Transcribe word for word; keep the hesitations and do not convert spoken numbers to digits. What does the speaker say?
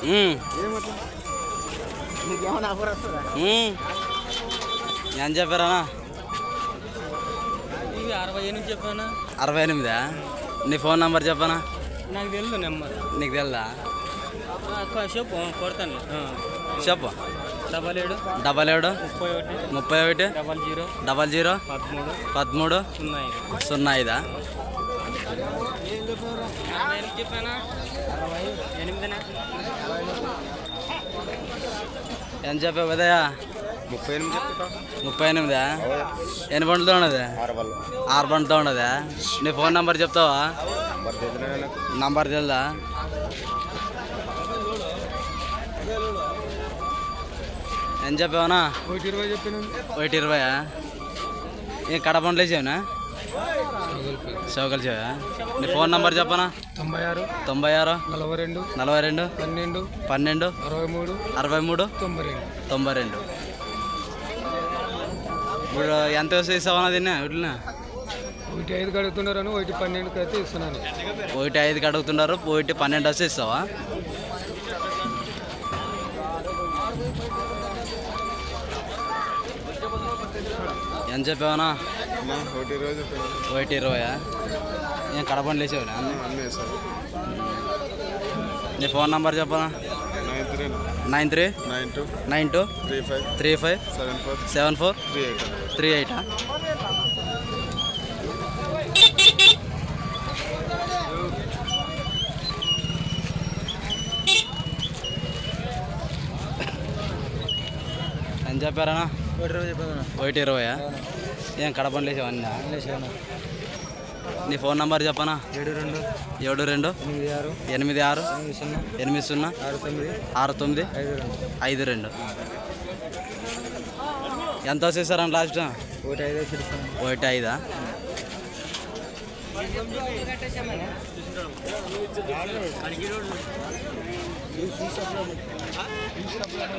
ఎంత చెప్పారా? అరవై ఎనిమిది చెప్పానా? అరవై ఎనిమిదా? నీ ఫోన్ నెంబర్ చెప్పనా? నాకు తెలుసు నెంబర్. నీకు తెలుదా? చెప్పు, కొడతాను. చెప్పు. డబల్ ఏడు డబల్ ఏడు ముప్పై ఒకటి ముప్పై ఒకటి డబల్ జీరో డబల్ జీరో పదమూడు పదమూడు సున్నా ఐదు సున్నా ఐదా? చెప్పానా? అరవై ఎనిమిదినా? ఎంత చెప్పావు కదయా? ముప్పై ఎనిమిది చెప్తా. ముప్పై ఎనిమిదా? ఎన్ని బండ్లతో ఉన్నది? ఆరు బండ్లతో ఉన్నదా? నీ ఫోన్ నెంబర్ చెప్తావా? నంబర్ తెలుదా? ఎంత చెప్పావనా? ఒకటి ఇరవై చెప్పాను. ఒకటి ఇరవయా? ఏం కడప బండ్లు వేసావునా? చౌకలు చేవా? నీ ఫోన్ నెంబర్ చెప్పనా? తొంభై ఆరు తొంభై ఆరు నలభై రెండు నలభై రెండు పన్నెండు పన్నెండు అరవై మూడు అరవై మూడు తొంభై రెండు తొంభై రెండు. ఇప్పుడు ఎంత వస్తే ఇస్తావన్నా దీన్ని? వీటిని ఒకటి ఐదుకి అడుగుతున్నారని ఒకటి పన్నెండుకి అయితే ఇస్తున్నాను. ఒకటి ఐదుకి అడుగుతున్నారు, ఒకటి పన్నెండు వస్తే ఇస్తావా? ఎంత చెప్పావనా? ఒకటి ఇరవై చెప్పాను. ఒకటి ఇరవయా? ఏం కడపండి వేసావునా? అన్నీ వేస్తాను. నీ ఫోన్ నెంబర్ చెప్పనా? Nine three nine three nine two nine two three five three five seven four seven four three eight. Three ఎయిటా? ఎంత చెప్పారనా? ఒకటి ఇరవై చెప్పాను. ఒకటి ఇరవయా? ఏం కడపండి వేసావన్నా? వేసాను. నీ ఫోన్ నెంబర్ చెప్పనా? ఏడు రెండు ఏడు రెండు ఎనిమిది ఆరు ఎనిమిది ఆరు ఎనిమిది సున్నా ఎనిమిది సున్నా ఆరు తొమ్మిది ఆరు తొమ్మిది ఐదు రెండు ఐదు రెండు. ఎంత వచ్చేసారని లాస్ట్? ఒకటి ఐదు చెప్తాను. ఒకటి ఐదా?